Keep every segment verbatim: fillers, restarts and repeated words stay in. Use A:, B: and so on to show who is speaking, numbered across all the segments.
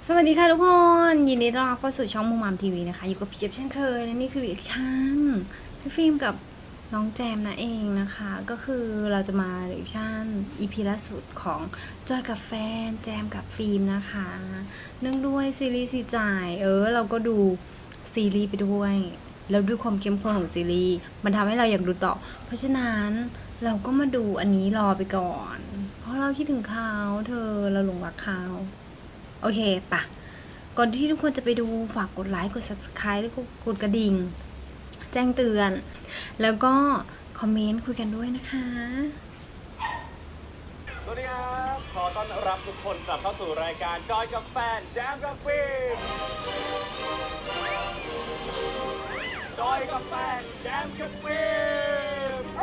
A: สวัสดีค่ะทุกคนยินดีต้อนรับเข้าสู่ช่องมุมมามทีวีนะคะอยู่กับพี่เจ็บเช่นเคยและนี่คือรีแอคชั่นพี่ฟิล์มกับน้องแจมนะเองนะคะก็คือเราจะมารีแอคชั่น อี พี ล่าสุดของจอยกับแฟนแจมกับฟิล์มนะคะเนื่องด้วยซีรีส์สีจ่ายเออเราก็ดูซีรีส์ไปด้วยแล้วด้วยความเข้มข้นของซีรีส์มันทำให้เราอยากดูต่อเพราะฉะนั้นเราก็มาดูอันนี้รอไปก่อนเพราะเราคิดถึงเขาเธอเราหลงรักเขาโอเคปะก่อนที่ทุกคนจะไปดูฝากกดไลค์กด ซับสไครบ์ แล้วก็กดกระดิ่งแจ้งเตือนแล้วก็คอมเมนต์คุยกันด้วยนะคะ
B: สวัสดีครับขอต้อนรับทุกคนกลับเข้าสู่รายการจอยกับแฟนแจมกับฟิล์มจอยกับแฟนแจมกับฟิล์ม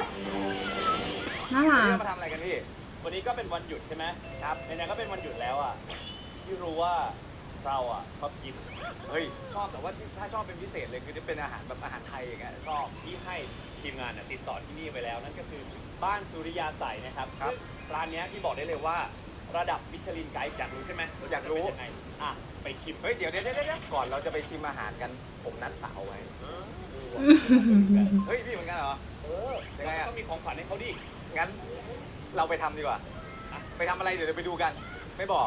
A: น่ารั
B: วันนี้
A: ก
B: เรามาทำอะไรกันพี่วันนี้ก็เป็นวันหยุดใช่ไหมครับในนั้นก็เป็นวันหยุดแล้วอ่ะที่รู้ว่าเราอ่ะชอบกินเฮ้ยชอบแต่ว่าถ้าชอบเป็นพิเศษเลยคือที่เป็นอาหารแบบอาหารไทยอย่างเงี้ยชอบที่ให้ทีมงานติดต่อที่นี่ไปแล้วนั่นก็คือบ้านสุริยาใสนะครับครับร้านนี้ที่บอกได้เลยว่าระดับมิชลินไกด์อยากรู้ใช่ไหมอยากรู้ยังไงอ่ะไปชิมเฮ้ยเดี๋ยวเดี๋ยวเดี๋ยวก่อนเราจะไปชิมอาหารกันผมนัดสาวไว้เฮ้ยพี่เหมือนกันเหรอเออยังไงอ่ะต้องมีของขวัญให้เขาดิงั้นเราไปทำดีกว่าไปทำอะไรเดี๋ยวไปดูกันไม่บอก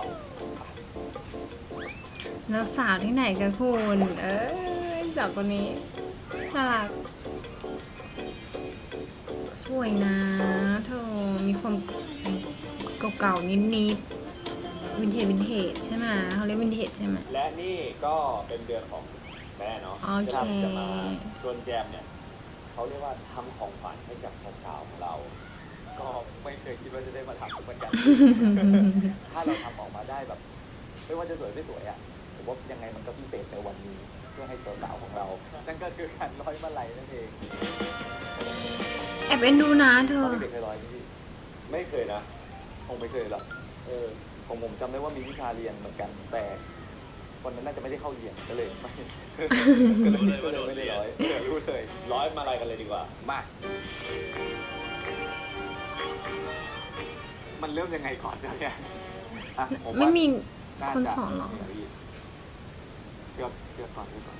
A: แล้วสาวที่ไหนกันคุณเอ้ยสาวคนนี้น่ารักสวยนะเธอมีความเก่าๆนิดๆวินเทจวินเทจใช่ไหมเขาเรียกวินเทจใช่ไหม
B: และนี่ก็เป็นเดือนของแม่เนาะ
A: โอเค
B: ที่จะมาชวนแจมเนี่ยเขาเรียกว่าทำของขวัญให้กับสาวๆของเรา ก็ไม่เคยคิดว่าจะได้มาทำเหมือนกัน ถ้าเราทำออกมาได้แบบไม่ว่าจะสวยไม่สวยอ่ะผมว่ายังไงมันก็พิเศษในวันนี้เพื่อให้สาวๆของเรา นั่นก็คือการร้อยมาลัยนั่นเอง
A: แอบเอ็นดูนะเธ
B: ต
A: อ
B: อนเด็กเคยร้อยไหมพี่ไม่เคยนะคงไม่เคยหรอกเออของผมจำได้ว่ามีวิชาเรียนเหมือนกันแต่คนนั้นน่าจะไม่ได้เข้าเรียนก็เลยไม่ก็เลยไม่ได้ร้อยเออรู้เลยร้อยมาอะไรกันเลยดีกว่ามามันเริ่มยังไงก่อนเนี่ยอ่ะผมว่า
A: ไม่มี
B: น่าจะ
A: คนสอนหรอ
B: เชื่อเชื่อก่อนเชื่อก่อน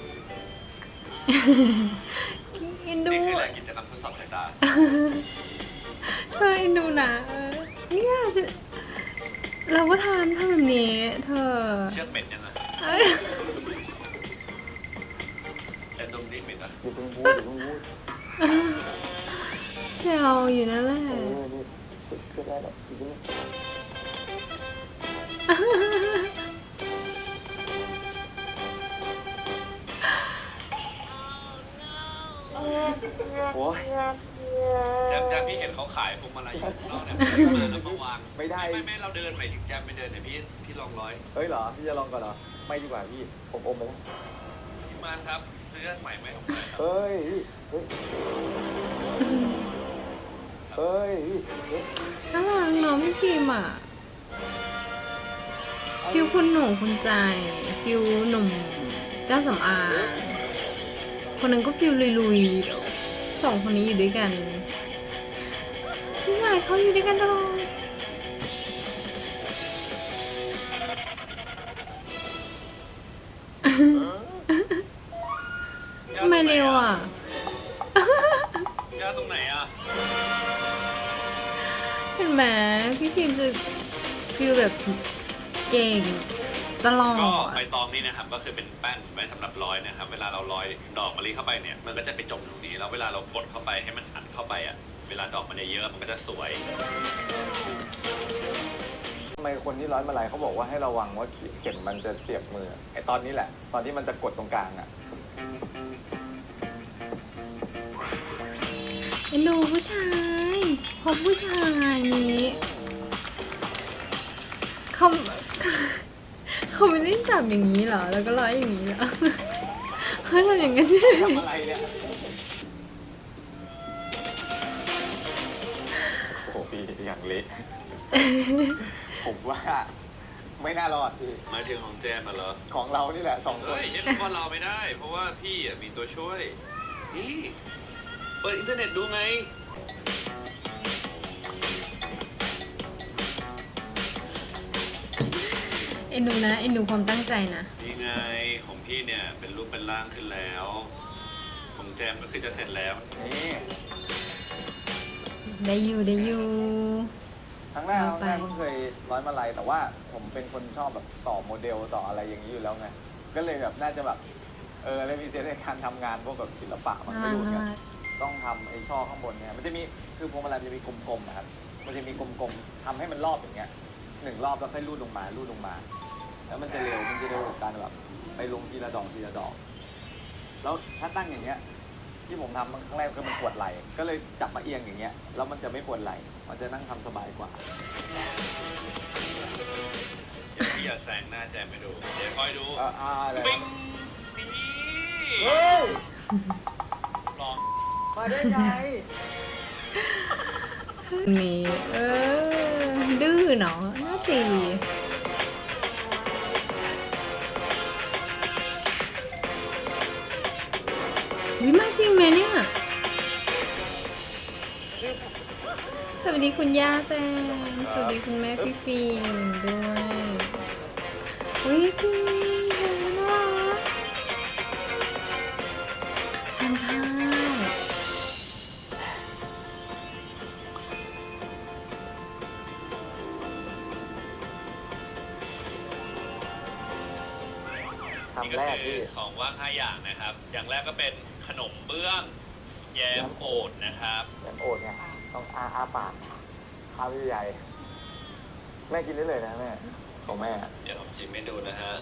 A: เอ็นดู
C: นี่คือแหละกิจกรรมทดสอบสายตา
A: เธอเอ็นดูนะเออเนี่ยฉันเราก็ทำทำแบบนี้เธอ
C: เชือกเหม็นยังไง
A: เอ้ย
C: แต่ตรงนี้เหม็นอ่ะ
B: อยู่ตรงบูอยู่ตรงบู
A: แซวอยู่นั่นแหละ
B: เออนี่ก็ได้แล้วอีกนิดโอ้ย
C: แจมแจมพี่เห็นเขาขายพวงมาลัยอยู่ข้างนอกเนี่ยมาแล้วเขาวาง
B: ไม่ได้
C: ไม่ไม่เราเดินไปถึงแจมไม่เดินเนี่ยพี่พี่ลองร้อย
B: เฮ้ยเหรอพี่จะลองก่อนเหรอไม่ดีกว่าพี่ผมอมไปแล้ว
C: ทีมงานครับซื้ออันใหม่ไหมผมหน่อยครับ
B: เฮ้ยพี่เฮ้ยเฮ้ยพี่เฮ้ย
A: น่ารักเน้องพี่พิมอ่ะฟิวคุณหนูคุณใจฟิวหนุ่มเจ้าสำอางคนหนึ่งก็ฟิวลุยๆสองคนนี้อยู่ด้วยกันฉันอยากให้เขาอยู่ด้วยกันตลอดทำไมเร็วอ่ะ
C: ยาตรงไหนอ่ะ
A: เห็นไหมพี่พิมจะฟิลแบบเก่งตลอ
C: ก็
A: ด
C: ใบตองนี่นะครับก็คือเป็นแป้นไว้สำหรับร้อยนะครับเวลาเราร้อยดอกมะลิเข้าไปเนี่ยมันก็จะไปจมตรงนี้แล้วเวลาเรากดเข้าไปให้มันอัดเข้าไปอ่ะเวลาดอกมันเยอะมันก็จะสวย
B: ทำไมคนที่ร้อยมาลัยเขาบอกว่าให้ระวังว่าเข็มมันจะเสียบมือไอตอนนี้แหละ ตอนที่มันจะกดตรงกลางอ่ะ
A: เอ็นดูผู้ชายพบผู้ชายนี้เขาเขาไม่ได้จับอย่างนี้เหรอ แล้วก็ร้อยอย่างนี้เหรอเขาทำอย่างนั้นใช่ไหม
B: ทำอะไรเนี่ยโอ้โหพี่อย่างเละ ผมว่าไม่น่ารอดพี่
C: หมายถึงของแจมอ่ะเหรอ
B: ของเรานี่แหละสองคน
C: เฮ้ยเห็นว่าเราไม่ได้ เพราะว่าพี่อ่ะมีตัวช่วย นี่เปิดอินเทอร์เน็ตดูไง
A: เอ็อ็นดูนะเอ็นดูความตั้งใจนะ
C: นี่ไงของพี่เนี่ยเป็นรูปเป็นร่างขึ้นแล้วของแจมก็คือจะเสร็จแล้ว
B: นี่
A: ได้อยู่ได้อยู่
B: ครั้งแรกค
A: เอา
B: รั้ง
A: ไป
B: แรกเพิ่งเคยร้อยมาลัยแต่ว่าผมเป็นคนชอบแบบต่อโมเดลต่ออะไรอย่างนี้อยู่แล้วไงก็เลยแบบน่าจะแบบเออเลยมีเซนส์ในการทำงานพวกแบบศิลปะมัน
A: น่า
B: ไม่
A: รัก
B: รู้
A: น่า
B: ไง
A: รัก
B: ต้องทำไอ้ช่อข้างบนเนี่ยมันจะมีคือพวงมาลัยมันจะมีกลมๆนะครับมันจะมีกลมๆทำให้มันรอบอย่างเงี้ยหนึ่งรอบแล้วค่อยรูดลงมารูดลงมา แล้วมันจะเร็วมันจะเร็วกว่าการแบบไปลงทีละดอกทีละดอก แล้วถ้าตั้งอย่างเงี้ยที่ผมทำครั้งแรกคือมันปวดไหล่ก็เลยจับมาเอียงอย่างเงี้ยแล้วมันจะไม่ปวดไหล่มันจะนั่งทำสบายกว่า
C: เดี๋ยวพี่อย่าแซงหน้าแจมไปดูเดี๋ยวคอยดู
B: อ่าอ่าเลย
C: ปิ้งนี่
B: เฮ้ย
C: ลอง
B: มาได้ไง
A: นี่เออดื้อเนาะน่าตีวิมาจริงไหมเนี่ย สวัสดีคุณย่าแจงสวัสดีคุณแม่พี่ฟิล์มด้วยอุ้ยจริงน่ารักทานข้าว
C: นี่
B: ทำ
C: ก็
B: แรก
C: คื
B: ที่
C: อของว่างห้าอย่างนะครับ อย่างแรกก็เป็นขนมเบื้องแยมโอดนะครับ
B: อย่างโอดไงต้องอาอาปากคาใหญ่แม่กินได้เลยนะแม่ของแม่
C: เดี๋ยวผมชิมให้ดูนะฮะ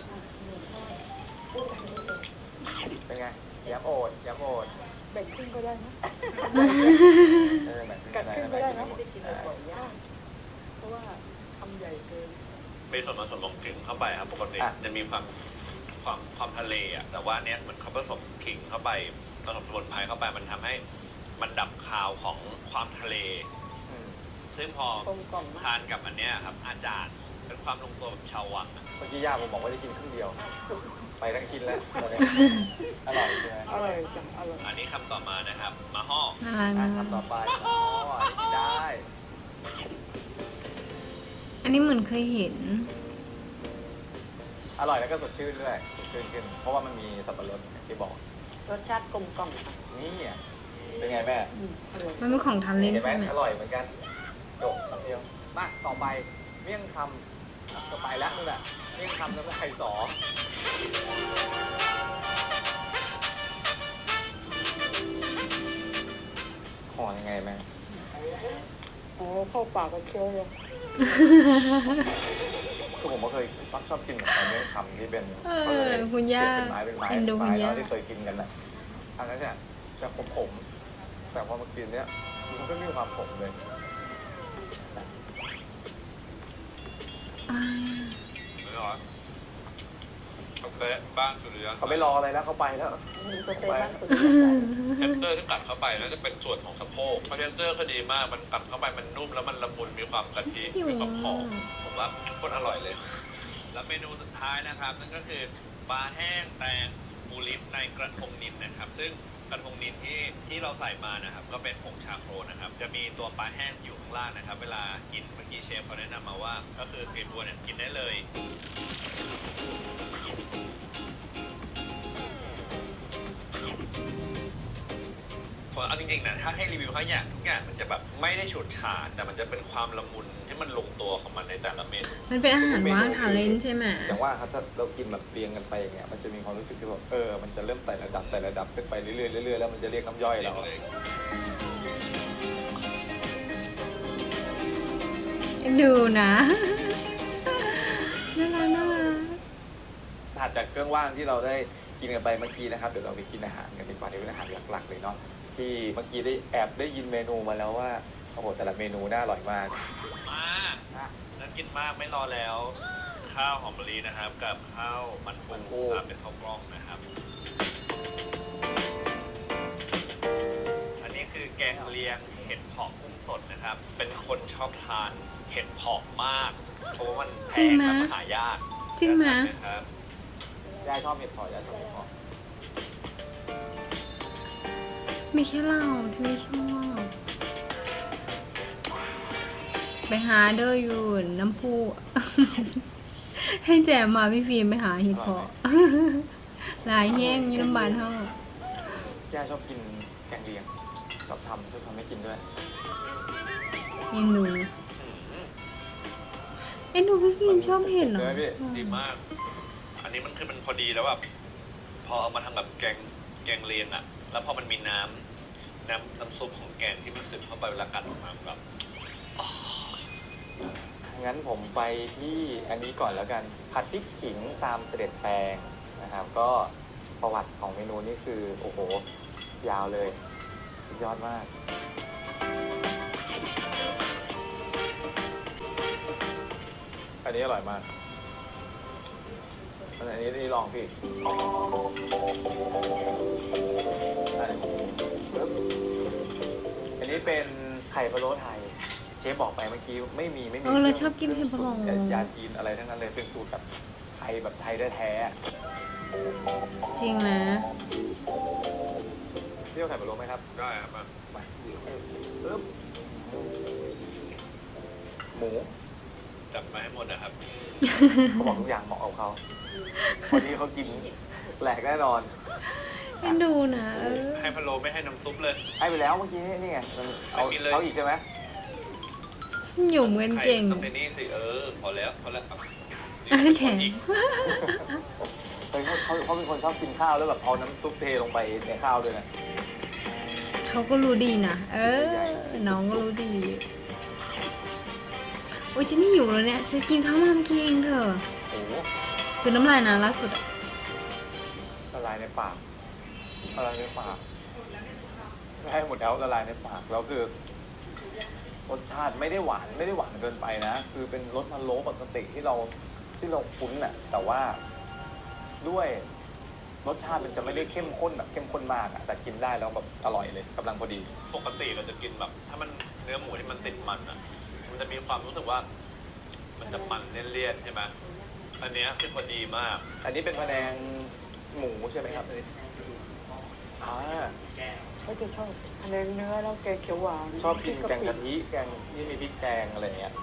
B: เป็นไงยำโอดยำโอด
D: แบ่งครึ่งก็ได้นะ
B: เออแบบ
D: กัดครึ่งก็ได้นะไม่ได้กิน
B: ใช่
D: บ่อยๆยากเพราะว่าทำใหญ่เกิน
C: มีส่วนผสมของขิงเข้าไปครับปกติจะมีความความความทะเลอ่ะแต่ว่าเนี้ยเหมือนเขาผสมขิงเข้าไปผสมสมุนไพรเข้าไปมันทำให้มันดับคาวของความทะเล
B: อืม
C: ซึ่งพอก
D: ลมกล่อมมาก
C: ทานกับอันเนี้ยครับอาจารย์เป็นความลงตัวแบบชาววังอะ
B: เมื่อกี้ย่าผมบอกว่าจะกินครึ่งเดียว ไปทั้งชิ้นแล้วตอนนี้อร่อยใช่ไหม
D: อร่อยจังอร่อย
C: อันนี้คำต่อมานะครับมาห่อ
A: น่ารัก
B: อ่ะ
A: น่ารัก
B: ทำต่อไปอ๋ออันนี้ได้
A: อันนี้เหมือนเคยเห็น
B: อร่อยแล้วก็สดชื่นด้วยสดชื่นขึ้น เพราะว่ามันมีสับปะรดอย่างที่บอก
D: รสชาติกลมกล่อมค่ะ
B: นี่อ่ะเป็นไงแม่
D: อืมอร่อย
A: มันเป็นของทานเล่น
B: เห็นไหม
A: ใช่ไหม
B: อร่อยเหมือนกันจบคำเดียวมาต่อไปเมี่ยงคำอ่ะก็ไปแล้วนู่นแหละเมี่ยงคำแล้วก็ไข่สอห่อยังไงแม่
D: อ๋อเข้าปากก็เคี้ยวเลย
B: คือผมก็เคยชอบชอบกินแบบเมี่ยงคำที่เป็น
A: เออ
B: ขารียก
A: คุณย่า
B: เสียบเป็นไม้เป็นไม้
A: เอ็นดู
B: เป็น
A: คุณ
B: ไม้
A: ย่า
B: แล้วที่เคยกินกันน่ะอันนั้นเนี่ยจะขมๆแต่พอมากินเนี้ยมันก็ไม่มีความขมเลย
A: อ่า
C: ไม่หรอเขาเตะบ้านสุริยะ
B: เขาไม่รออะไรแล้วเขาไปแล้ว
D: มีสเต็กบ้างสุด
C: เทนเตอร์ที่กัดเข้าไปน่าจะเป็นส่วนของสะโพกเพราะเทนเตอร์ก็ดีมากมันกัดเข้าไปมันนุ่มแล้วมันละมุนมีความกะทิ
A: หิว
C: มีความหอมผมว่าโคตรอร่อยเลย แล้วเมนูสุดท้ายนะครับนั่นก็คือปลาแห้งแตงหมูลิ้นในกระทงนินนะครับ ซึ่งกระทงนินที่ที่เราใส่มานะครับ ก็เป็นผงชาโครนะครับ จะมีตัวปลาแห้งอยู่ข้างล่างนะครับ เวลากินเมื่อกี้เชฟเขาแนะนำมาว่า ก็คือกลีบบัวเนี่ยกินได้เลย ผมเอาจริงๆนะถ้าให้รีวิวข้าวอย่างทุกอย่างมันจะแบบไม่ได้ฉูดฉาดแต่มันจะเป็นความละมุนที่มันลงตัวของมันในแต่ละเมนู
A: มันเป็นอาหารว่างทานเล่นใช่ไหม
B: อย่างว่าครับถ้าเรากินแบบเรียงกันไปอย่างเงี้ยมันจะมีความรู้สึกที่แบบเออมันจะเริ่มไต่ระดับไต่ระดับขึ้นไปเรื่อยๆเรื่อยๆแล้วมันจะเรียกน้ำย่อยเรา
A: เอ็นดูนะ น่ารักน่ารัก
B: ถัดจากเครื่องว่างที่เราได้กินกันไปเมื่อกี้นะครับเดี๋ยวเราไปกินอาหารกันดีกว่าที่เป็นอาหารหลักๆเลยเนาะที่เมื่อกี้ได้แอบได้ยินเมนูมาแล้วว่าโอ้โหแต่ละเมนูน่าอร่อยมาก
C: มาน่ากินมากไม่รอแล้ว ข้าวหอมมะลินะครับ กับข้าวมันปูครับเป็นข้าวกล้องนะครับ อันนี้คือแกงเลียงเห็ดเผาะกุ้งสดนะครับ เป็นคนชอบทานเห็ดเผาะมากเพราะว่ามันแพงและมันหายาก
A: จริงไหม
C: นะครับ
B: ยายชอบเห็ดเผาะยายชอบเห็ดเผาะ
A: มีแค่เราที่ไม่ชอบ ไปหาเดออยู่น้ำพุให้แจมมาพี่ฟิล์มไปหาเห็ดเพาะ ลายแห้งยี่น้ำบานเท่า
B: ย่าชอบกินแกงเลียงชอบทำชอบทำให้กินด้วย
A: เอ็นดูเอ็นดูพี่ฟิล์มชอบเห็ดเหรอ
B: ใช่ไหมพี่
C: ดีมาก อันนี้มันคือมันพอดีแล้วแบบพอเอามาทำแบบแกงแกงเลียงอะแล้วพอมันมีน้ำน้ำน้ำซุปของแกงที่มันซึมเข้าไปเวลากัดออกมาแบบ
B: งั้นผมไปที่อันนี้ก่อนแล้วกัน ผัดพริกขิงตามเสด็จแปลงนะครับ ก็ประวัติของเมนูนี่คือ โอ้โห ยาวเลยสุดยอดมาก อันนี้อร่อยมาก อันนี้นี่ลองพี่ อันนี้เป็นไข่พะโล้ไทย เชฟบอกไปเมื่อกี้ไม่มีไม่มี
A: เออเราชอบกินเห็ดพะโล้
B: ยาจีนอะไรทั้งนั้นเลยเป็นสูตรแบบไทยแบบไทยแท้ๆ
A: จริงนะ
B: เที่ยวไข่พะโล้ไหมครับ
C: ได้ครับมา
B: มาปึ๊บหมู
C: จัดมาให้หมดนะครับ
B: เขาบอกทุกอย่างเหมาะกับเขาคนนี้เขากินแหลกแน่นอน
A: เอ็นดูนะเออ
C: ให้พะโล้ไม่ให้น้ำซุปเลย
B: ให้ไปแล้วเมื่อกี้นี่ไงมันเอา
C: ไม่กินเลย
B: เอาอีกใช่ไหม
A: อยู่เหมือนเก่ง
C: ต้องในนี่สิเออพอแล้วพอแล้วเอา
A: เออแถม
C: อีก
B: เฮ้ยเขาเขาเขาเป็นคนชอบกินข้าวแล้วแบบเอาน้ำซุปเทลงไปในข้าวด้วยนะ
A: เขาก็รู้ดีนะ เออ น้องก็รู้ดี โอ้ยฉันนี่อยู่แล้วเนี่ยจะกินข้าวมามกินเองเถอะ
B: โอ้โห
A: คือน้ำลายนะล่าสุดอะ
B: ละลายในปากละลายในปากให้หมดแล้วละลายในปากแล้วคือรสชาติไม่ได้หวานไม่ได้หวานเกินไปนะ คือเป็นรสพะโล้ปกติที่เราที่เราคุ้นน่ะแต่ว่าด้วยรสชาติมันจะไม่ได้เข้มข้นแบบเข้มข้นมากอะแต่กินได้แล้วแบบอร่อยเลยกำลังพอดี
C: ปกติเราจะกินแบบ ถ้ามันเนื้อหมูที่มันติดมันอ่ะ มันจะมีความรู้สึกว่า มันจะมันเลี่ยนๆใช่ไหมอันเนี้ยคือพอดีมาก
B: อันนี้เป็นพะแนงหมูใช่ไหมครับอ่า
D: ก็จะชอบคะแนนเนื้อแล้วแกงเขียวหวาน
B: ชอบกินแกงกะทิแกงที่มีพริกแกงอะไรอย่างเงี้ย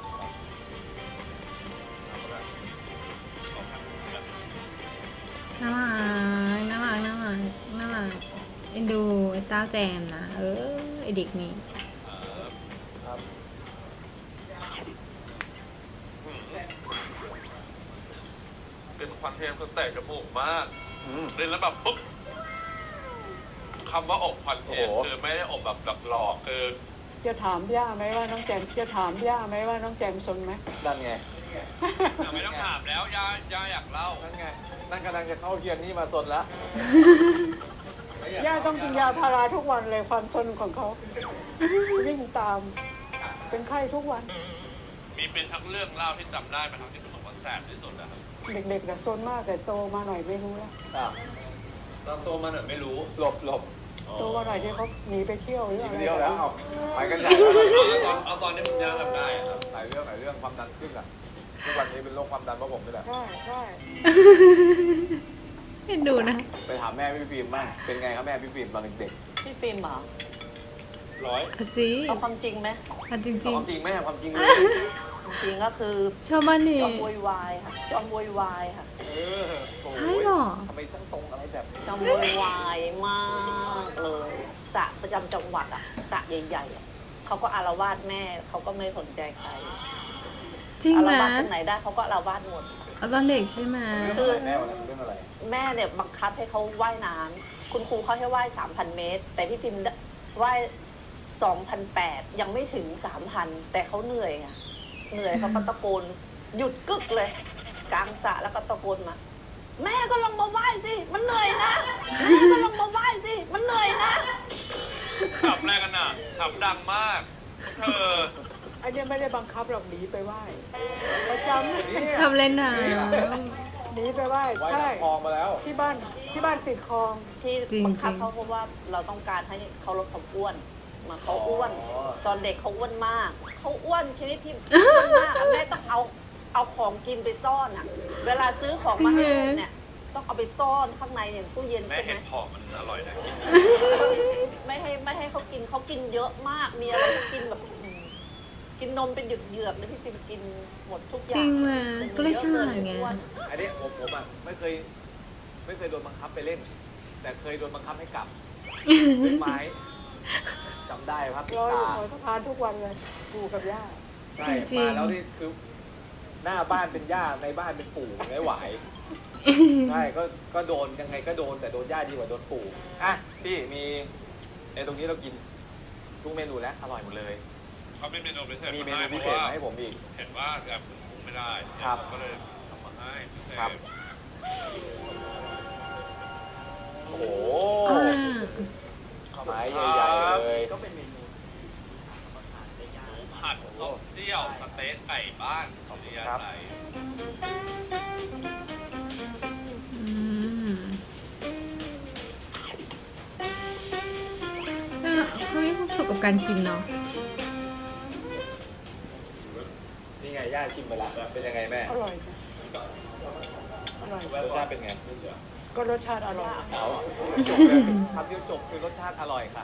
A: น่ารักน่ารักน่ารักน่ารักเอ็นดูไอ้เต้าแจมนะ เออ ไอเด็กนี่
B: ครับ
C: เป็นควันเทมสเตจจมูกมาก
B: อืม
C: เล่นแล้วแบบปุ๊บคำว่าอบควันเทม
B: โอ้โห
C: คือไม่ได้อบแบบหลอกๆคือ
D: จะถามย่าไหมว่าน้องแจมจะถามย่าไหมว่าน้องแจมซนไหม
B: นั่นไง
C: ไม่ต้องถามแล้วย่าย่าอยากเล่า
B: นั่นไง นั่นกำลังจะเข้าเทียนนี่มาสนแล้ว
D: ย่าต้องกินยาพาราทุกวันเลยความซนของเขาวิ่งตาม เป็นไข้ทุกวัน
C: มีเป็นทั้งเรื่องเล่าที่จำได้ไหมครับที่รู้สึกว่าแสบที่สุดนะครับ
D: เด็กๆแต่ะซนมากแต่โตมาหน่อยไม่รู้แล้ว
B: อ่ะ
C: ตอนโตมาหน่อยไม่รู้
B: หลบหลบ
D: โตมาหน่อยที่เขาหนีไปเที่ยวหรือ
B: อี
D: อะ
B: ก
D: ไร
B: เดียวแล้วเอาไปกันใหญ่
C: เอาตอนเอาตอนนี้คุณย่าทำได้อะครับ
B: หลายเรื่องหลายเรื่องความดันขึ้นอ่ะทุกวันนี้เป็นโรคความดันเพราะผมนี่แหละ
D: ใช่ใช่
A: เอ็นดูนะ
B: ไปถามแม่พี่ฟิล์มบ้างเป็นไงครับแม่พี่ฟิล์มตอนเด็ก
E: พี่ฟิล์มเหรอ
C: ร้อย
A: เอาสิ
E: เอาความจริงไหม
A: เอาจริ
B: ๆ
A: ง
B: ความจริงแม่ความจริงเลย
E: จริงก็คือ
A: ๆ ชอบบ้านนี่
E: จอมโวยวายค่ะ จอมโวยวายค่ะ
B: เออโอ้ย
A: ใช่เหรอ
B: ทำไมต้องตรงอะไรแบบ
E: จอมโวยวายมากเลยสระประจำจังหวัดอ่ะสระใหญ่ๆอะเขาก็อารวาสแม่เขาก็ไม่สนใจใคร
A: จริง
E: อาร
A: นะ
E: วาสตรงไหนได้เขาก็อารวาสหมด
A: เอาตอนเด็กใช่ไหม
B: เรื่องอะไรแม่วันนั้นเรื่องอะไร
E: แม่เนี่ยบังคับให้เขาว่ายน้ำคุณครูเขาให้ว่ายสามพันเมตร แต่พี่ฟิล์มว่ายสองพันแปดยังไม่ถึงสามพันแต่เขาเหนื่อยอะเหนื่อยเขาก็ตะโกนหยุดกึกเลย กลางสระแล้วก็ตะโกนมา แม่ก็ลงมาว่ายสิ มันเหนื่อยนะ แม่ก็ลงมาว่ายสิ มันเหนื่อยนะ
C: ขับแรกกันน่ะขับดังมากเธอ
D: อันเนี้ยไม่ได้บังคับหรอกหนีไปไหว้ประจำ
A: ชอบเล่นน้
D: หนีไปไหว้
B: ไว้
D: ใช่
B: น้ำคลองมาแล้ว
D: ที่บ้านที่บ้านติดคลอง
E: ที่บังคับเขาเพราะว่าเราต้องการให้เขาลดความอ้วนมาเขาอ้วน
B: อ๋อ
E: ตอนเด็กเขาอ้วนมาก เขาอ้วนชนิดที่อ้วนมากอะแม่ต้องเอาเอาของกินไปซ่อนอ่ะ เวลาซื้อของมาให้ลูกเนี่ย ต้องเอาไปซ่อนข้างในอย่างตู้เย็น
C: แม่
E: ใช่ไหม
C: เห็ดเพาะมันอร่อยนะกิน
E: ไม่ให้ไม่ให้เขากินเขากินเยอะมาก มีอะไรก็กินแบบอืมกินนมเป็นเหยือกๆเลยพี่ฟิล์มกินหมดทุกอ
A: จริ
E: ย่าง
A: งว่ะก็เลยฉลาดไง
E: อ้วน
B: อันนี้ผมผมอ่ะไม่เคยไม่เคยโดนบังคับไปเล่น แต่เคยโดนบังคับให้กลับด้วยไม้จำได้ครับ
D: รออยู่
B: ตา
D: หัวสะพานทุกวันเลยปู่กับย่า
B: ใช่
A: จริงๆ
B: มาแล้วนี่คือหน้าบ้านเป็นย่าในบ้านเป็นปู่ไม่ไหวใช่ก็ก็โดนยังไงก็โดนแต่โดนย่าดีกว่าโดนปู่อ่ะพี่มีในตรงนี้เรากินทุกเมนูแล้วอร่อยหมดเลย
C: เขาเป็นเมนูพิเศษ
B: มีเม
C: มา
B: นู
C: ให้
B: พิ
C: เพ
B: เศ
C: ราะ
B: ษ
C: ว่า
B: มาให้ผมอีก
C: เห็นว่าแอบปรุงไม่ได้
B: ครับ
C: ก็เลยทำมาให้พิเศษ
B: ครับ โอ้โห
A: อ่า
B: ไม้ใหญ่ๆเลย
C: ก็เป็นเมนูผัดส้มเซี่ยวสเต๊กไก่บ้านของนิยาไทย
A: อืมเออเขามีความสุขกับการกินเนาะ
B: นี่ไงย่าชิมไปละเป็นยังไงแม่
D: อร่อยจ้ะอร่อย
B: รสชาติเป็นไง
D: ก็รสชาติอร่อย
B: เอาจบเลยคำเดียวจบคือรสชาติอร่อยค่ะ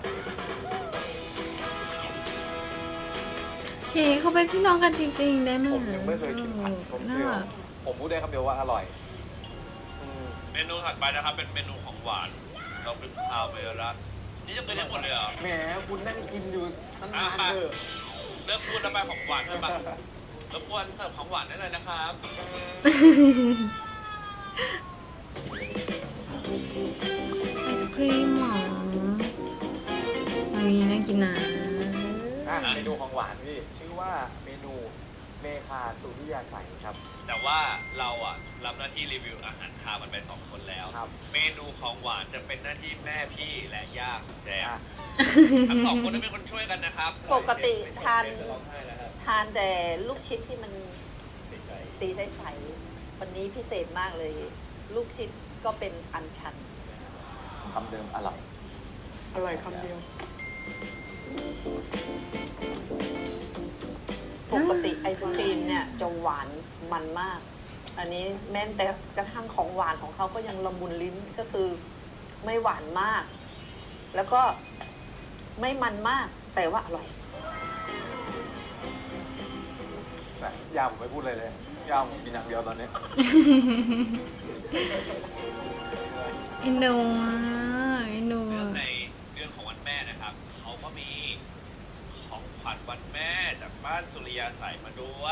A: เย้เขาเป็นพี่น้องกันจริงๆได้ไหม
B: ผมยังไม่เคยกินผัดต้ม
A: น่า
B: เซี่ยว
A: รัก
B: ผมพูดได้คำเดียวว่าอร่อยอืม
C: เมนูถัดไปนะครับเป็นเมนูของหวาน เราเป็นข้าวไปแล้วละนี่จะเป็นได้หมดเลยเหรอ
B: แหมคุณนั่งกินอยู่ตั้ง
C: อ่ะ
B: นาน
C: มา
B: เถอะ
C: เริ่มพูดแล้วไปของหวานใช่ปะรบกวนเสิร์ฟของหวานได้เลยนะครับ
A: ไอศครีมเหรออันนี้น่ากินนะ
B: อ่ะเมนูของหวานพี่ชื่อว่าเมนูเมคาสุริยาใสครับ
C: แต่ว่าเราอ่ะรับหน้าที่รีวิวอาหารคาวมันไปสองคนแล้ว
B: ครับ
C: เมนูของหวานจะเป็นหน้าที่แม่พี่และย่าของแจม
B: อ่ะ
C: ทั้งสองคนต้องเป็นคนช่วยกันนะครับ
E: ปกติทาน
C: จะร้องไห้แล้วครับ
E: ทานแต่ลูกชิดที่มันสีใสๆวันนี้พิเศษมากเลย ลูกชิดก็เป็นอัญชัน
B: คำเดิมอร่อย
D: อร่อยคำเดียว
E: ปกติไอศครีมเนี่ยจะหวานมันมาก อันนี้แม้แต่กระทั่งของหวานของเขาก็ยังละมุนลิ้นก็คือไม่หวานมาก แล้วก็ไม่มันมากแต่ว่าอร่อย
B: นะยาผมไม่พูดเลยเลยยาผมกินอย่างเดียวตอนนี้
A: เอ็นดูอ่ะเอ็นดู
C: เรื่อง
A: อ่ะ
C: ในเรื่องของวันแม่นะครับ เขาก็มีของขวัญวันแม่จากบ้านสุริยาใสมาด้วย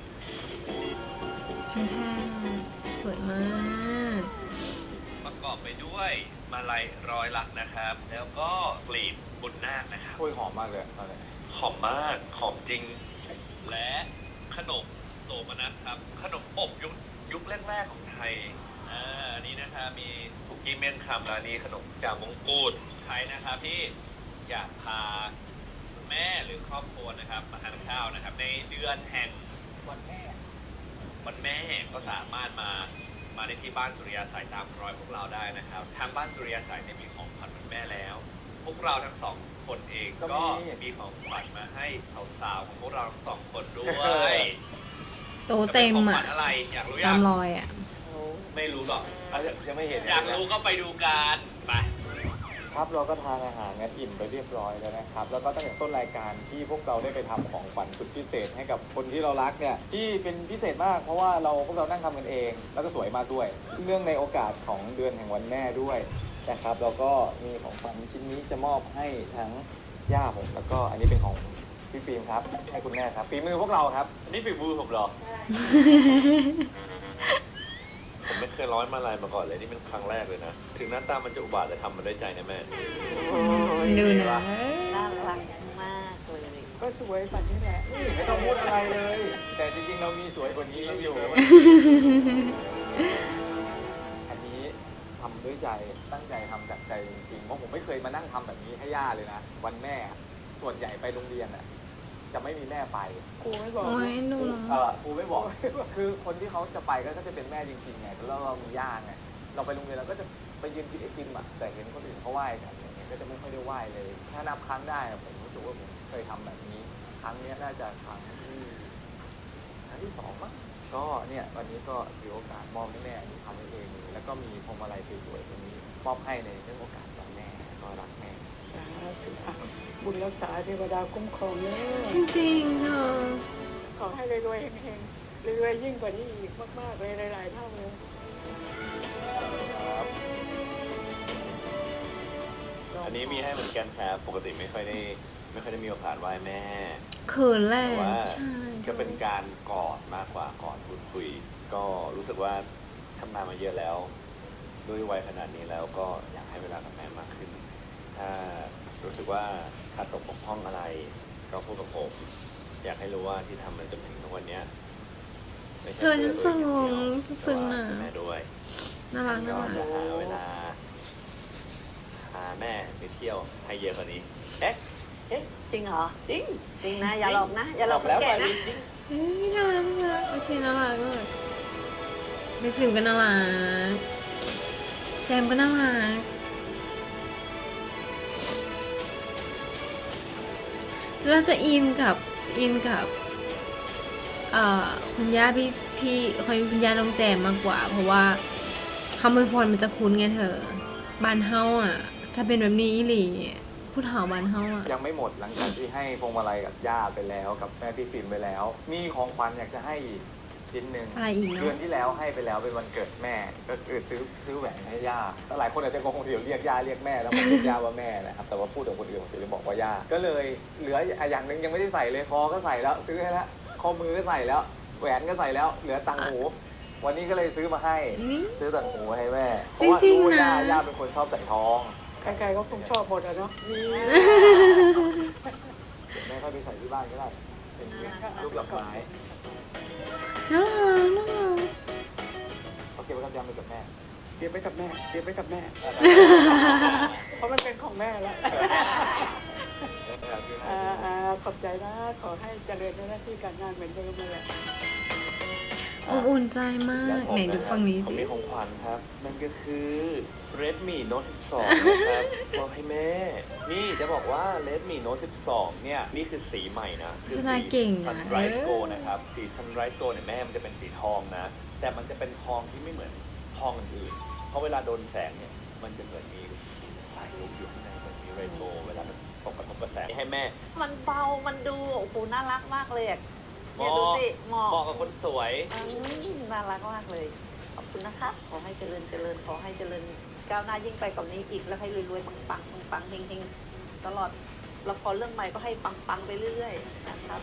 A: ทั้งแท่งสวยมาก
C: ประกอบไปด้วยมาลัยร้อยลักษณ์นะครับ แล้วก็กลีบบุญนาคนะครับ
B: โอ้ยหอมมากเลยตอนนี้
C: หอมมาก หอมจริง และขนมโสมนัสครับ ขนมอบยุคยุคแรก ๆ ของไทย อ่า อันนี้นะคะมีสุกี้เมี่ยงคำร้านนี้ขนมจ่ามงกุฎใครนะครับที่อยากพาคุณแม่หรือครอบครัวนะครับมาทานข้าวนะครับ ในเดือนแห่งวันแม่ วันแม่ก็สามารถมา มาได้ที่บ้านสุริยาสายตามรอยพวกเราได้นะครับ ทางบ้านสุริยาสายเนี่ยมีของขวัญวันแม่แล้ว พวกเราทั้งสองคนเองก็มีของขวัญมาให้สาวๆของพวกเราทั้งสองคนด้วย
A: โตเต็ม
C: จะป็นของข
A: อ่ะ
C: วัญอะไรอยากรู้ยั
A: ตาม
C: ง
A: รอยอ่ะ
C: ไม่รู้หรอก
B: อ่ะยังไม่เห็น
C: อยากรู้ก็ไปดูกันไป
B: ครับเราก็ทานอาหารกันอิ่มไปเรียบร้อยแล้วนะครับ แล้วก็ตั้งแต่ต้นรายการที่พวกเราได้ไปทำของขวัญสุดพิเศษให้กับคนที่เรารักเนี่ยที่เป็นพิเศษมากเพราะว่าเราพวกเรานั่งทำกันเอง แล้วก็สวยมากด้วย เนื่องในโอกาสของเดือนแห่งวันแม่ด้วยนะครับแล้วก็มีของขวัญชิ้นนี้จะมอบให้ทั้งย่าผมแล้วก็อันนี้เป็นของพี่ฟิล์มครับให้คุณแม่ครับฝีมือพวกเราครับ
C: นี่ฝีมือผมเหรอ ผมไม่เคยร้อยมาลายมาก่อนเลยนี่เป็นครั้งแรกเลยนะ ถึงหน้าตามันจะอุบาทแต่ทำมันด้วยใจนะแม่
A: ดูนะ
E: น่ารักมากเลย
D: ก็สวยแบบนี้แหละ
B: ไม่ต้องพูดอะไรเลย แต่จริงๆเรามีสวยกว่านี้อยู่ อันนี้ทำด้วยใจตั้งใจทำจากใจจริงๆเพราะผมไม่เคยมานั่งทำแบบนี้ให้ย่าเลยนะวันแม่ส่วนใหญ่ไปโรงเรียนอ่ะจะไม่มีแม่ไป
D: ครูไม่บอก
A: โอ้ย
D: นะ
A: ดูน้อง
B: เออครูไม่บอก คือคนที่เขาจะไปก็จะเป็นแม่จริงๆไงแล้วเรามีย่าไงเราไปโรงเรียนเราก็จะไปยืนกินไอติมอ่ะแต่เห็นคนอื่นเขาไหว้กันอย่างเงี้ยก็จะไม่ค่อยได้ไหว้เลยถ้านับครั้งได้อะผมรู้สึกว่าผมเคยทำแบบนี้ ครั้งเนี้ยน่าจะครั้งที่ครั้งที่สองมั้งก็เนี่ยวันนี้ก็ถือโอกาสมอบให้แม่อันนี้ทำให้เองเลยแล้วก็มีพวงมาลัยสวยๆตัวนี้มอบให้ในเรื่องโอกาสวันแม่ก็รักแม่
D: สาธุอ่ะบุญรักษาเทวดาคุ้มครองเลย
A: จริงๆเธอ
D: ขอให้รวยๆเฮงๆรวยๆยิ่งกว่านี้อีกมากๆเลยหลายๆเท่าเลย
C: อันนี้มีให้เหมือนกันครับปกติไม่ค่อยได้ไม่ค่อยได้มีโอกาสไหว้แม่
A: เขินแหละ
C: แต่ว่า
A: ใช่
C: ก็เป็นการกอดมากกว่ากอดพูดคุย ก็รู้สึกว่าทำงานมาเยอะแล้ว ด้วยวัยขนาดนี้แล้วก็อยากให้เวลากับแม่มากขึ้น ถ้ารู้สึกว่าขาดตกบกพร่องอะไร ก็พูดกับผม อยากให้รู้ว่าที่ทำมันจนถึงทุกวันเนี้ยไม่ใช่
A: เธอจะ
C: พื่
A: ซึ้ง
C: ตัวเองอย่างเดียว
A: จะซึ้ง
C: แต่
A: นะ
C: ว่าแม่ด้วย
A: น่ารัก
C: ก็
A: น่ารัก
C: จะหาเวลาพาแม่ไปเที่ยวให้เยอะกว่านี้ เอ๊ะเอ๊ะ
E: จริงเหรอ
C: จริง
E: จริงนะ อย่าหลอกนะ อย่าหลอกคน
C: แล้ว
E: แก่
C: มา
E: นะ
C: จริง
A: เฮ้ยน่ารักน่ารักโอเคน่ารักเลยในฟิล์มก็น่ารักแจมก็น่ารักเราจะอินกับอินกับเอ่อคุณย่าพี่พี่คอยคุณย่าน้องแจมมากกว่า เพราะว่าคำอวยพรมันจะคุ้นไงเธอบ้านเฮาอ่ะจะเป็นแบบนี้อีหลีผู้เฒ่าบ้านเฮาอ่ะ
B: ยังไม่หมดหลังจากที่ให้พวงมาลัยกับย่าไปแล้วกับแม่พี่ฟิล์มไปแล้ว มีของขวัญอยากจะให้อีกชิ้นหนึ่ง
A: อะไรอีกเนอะ
B: เดือนที่แล้วให้ไปแล้วเป็นวันเกิดแม่ ก็คือซื้อซื้อแหวนให้ย่าแต่หลายคนอาจจะงงเดี๋ยวเรียกย่าเรียกแม่แล้วผมเรียกย่าว่าแม่นะครับแต่ว่าพูดกับคนอื่นผมจะบอกว่าย่าก็เลยเหลืออย่างหนึ่งยังไม่ได้ใส่เลยคอก็ใส่แล้วซื้อให้แล้วข้อมือก็ใส่แล้วแหวนก็ใส่แล้วเหลือต่างหูวันนี้ก็เลยซื้อมาให้
A: นี่
B: ซื้อต่างหูให้แม่เพ
A: จ
B: ราะว่า
A: ริง
B: รู้
A: ๆ
B: ว่าย่า
A: นะ
B: ย่าเป็นคนชอบใส่ทอง
D: ใครๆก็คงชอบหมดอะเนาะนี่
B: เดี๋ยวแม่ค่อยไปใส่ที่บ้านก็ได้เป็นลูกหลับไม้
A: น่ารักน่ารัก
B: เขาเก็บไว้กับยำไปกับแม่
D: เก็บไว้กับแม่เก็บไว้กับแม่ เพราะมันเป็นของแม่แล้วอ่าอ่าขอบใจนะ ขอให้เจริญในหน้าที่การงานเหมือนเดิมเลย
A: อบอุ่นใจมากไหนดูฝั่งนี้
C: ผม
A: สิ
C: มีของขวัญครับ นั่นก็คือ Redmi Note สิบสอง นะครับมอบให้แม่ นี่จะบอกว่า Redmi Note สิบสอง เนี่ย นี่คือสีใหม่นะคื
A: โฆษณาเก่งนะ
C: Sunrise Gold นะครับ สี Sunrise Gold เนี่ยแม่มันจะเป็นสีทองนะ แต่มันจะเป็นทองที่ไม่เหมือนทองอื่นๆเพราะเวลาโดนแสงเนี่ย มันจะเหมือนมีสายลุกอยู่ข้างในเหมือนมีเรนโบว์เวลามันตกกระทบกระแสให้แม่
E: มันเบา มันดู โอ้โห น่ารักมากเลยอะเนี่ยดูสิเหมาะ
C: เหมาะกับคนสวย
E: อืมน่ารักมากเลย ขอบคุณนะคะ ขอให้เจริญเจริญ ขอให้เจริญก้าวหน้ายิ่งไปกว่านี้อีก แล้วให้รวยๆ ปังๆ ปังๆ เฮงๆ ตลอด ละครเรื่องใหม่ก็ให้ปังๆ ไปเรื่อยๆ นะครับ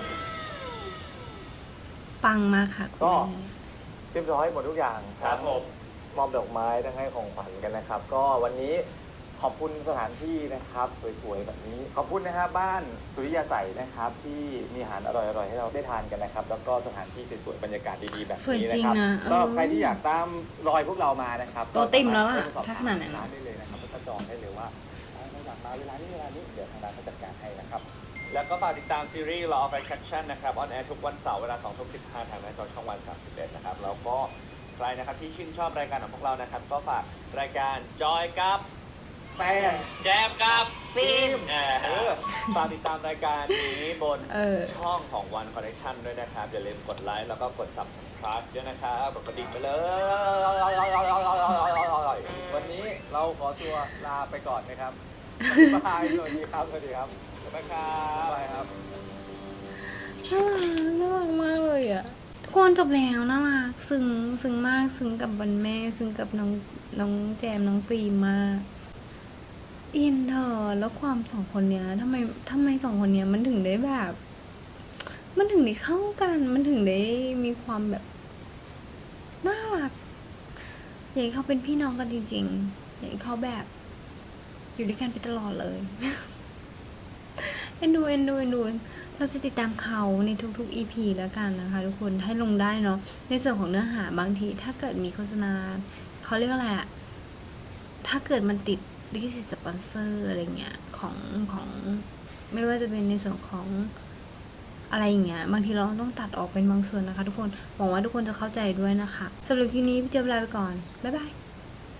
A: ปังมากค่ะคุณ
B: ก็
A: แม่
B: เรียบร้อยหมดทุกอย่าง
C: ครับผม
B: มอบดอกไม้ทั้งให้ของขวัญกันนะครับ ก็วันนี้ขอบคุณสถานที่นะครับสวยๆแบบนี้ ขอบคุณนะครับบ้านสุริยาใสนะครับ ที่มีอาหารอร่อยๆให้เราได้ทานกันนะครับ แล้วก็สถานที่สวยๆบรรยากาศดีๆแบบ
A: สวย
B: นี้
A: จริ
B: นะ
A: ง
B: ครับ
A: นะ
B: สำหรับ
A: เออ
B: ใครที่อยากตามรอยพวกเรามานะครับ
A: ตัวติ่มแล้วล่ะ
B: ก็สมรถเริ่มสอบ
A: ถ้าขนาดนั้น
B: ร้านได้เลยนะครับแล้วก็จองได้เลยว่าอ๋อเราอยากมาเวลานี้เวลานี้เดี๋ยวทางร้านเขาจัดการให้นะครับ
C: แล้วก็ฝากติดตามซีรีส์ Law of Attraction นะครับออนแอร์ทุกวันเสาร์เวลาสองทุ่มสิบห้าทางหน้าจอช่องวันสามสิบเอ็ดนะครับแล้วก็ใครนะครับที่ชื่นชอบรายการของพวกเรานะครับ ก็ฝากรายการจอยกับ
B: แป้ง
C: แจมกับ
E: ฟิล์ม
C: เออฝากติดตามรายการนี้บน
A: เออ
C: ช่องของ One Connection ด้วยนะครับ อย่าลืมกดไลค์แล้วก็กด Subscribe ด้วยนะครับกดกระดิ่งไปเลย
B: วันนี้เราขอตัวลาไปก่อนนะครับ บาย สวัสดีครับ สวัสดีครับ
C: สวัสดีครับ
B: บายครับ
A: น่ารักน่ารักมากเลยอ่ะทุกคนจบแล้วน่ารักซึ้งซึ้งมากซึ้งกับวันแม่ซึ้งกับน้องน้องแจมน้องปรีมมากอินเธอแล้วความสองคนเนี้ยทำไมทำไมสองคนเนี้ยมันถึงได้แบบ มันถึงได้เข้ากัน มันถึงได้มีความแบบน่ารักอยากให้เขาเป็นพี่น้องกันจริงๆอยากให้เขาแบบ อยู่ด้วยกันไปตลอดเลย เอ็นดูเอ็นดูเอ็นดูเราจะติดตามเขาในทุกๆ อี พี แล้วกันนะคะทุกคนให้ลงได้เนาะในส่วนของเนื้อหาบางทีถ้าเกิดมีโฆษณาเขาเรียกอะไรอะถ้าเกิดมันติดลิขสิทธิ์สปอนเซอร์อะไรเงี้ยของของไม่ว่าจะเป็นในส่วนของอะไรอย่างเงี้ยบางทีเราต้องตัดออกเป็นบางส่วนนะคะทุกคนหวังว่าทุกคนจะเข้าใจด้วยนะคะสำหรับคลิปนี้พี่เจี๊ยบลาไปก่อนบ๊ายบาย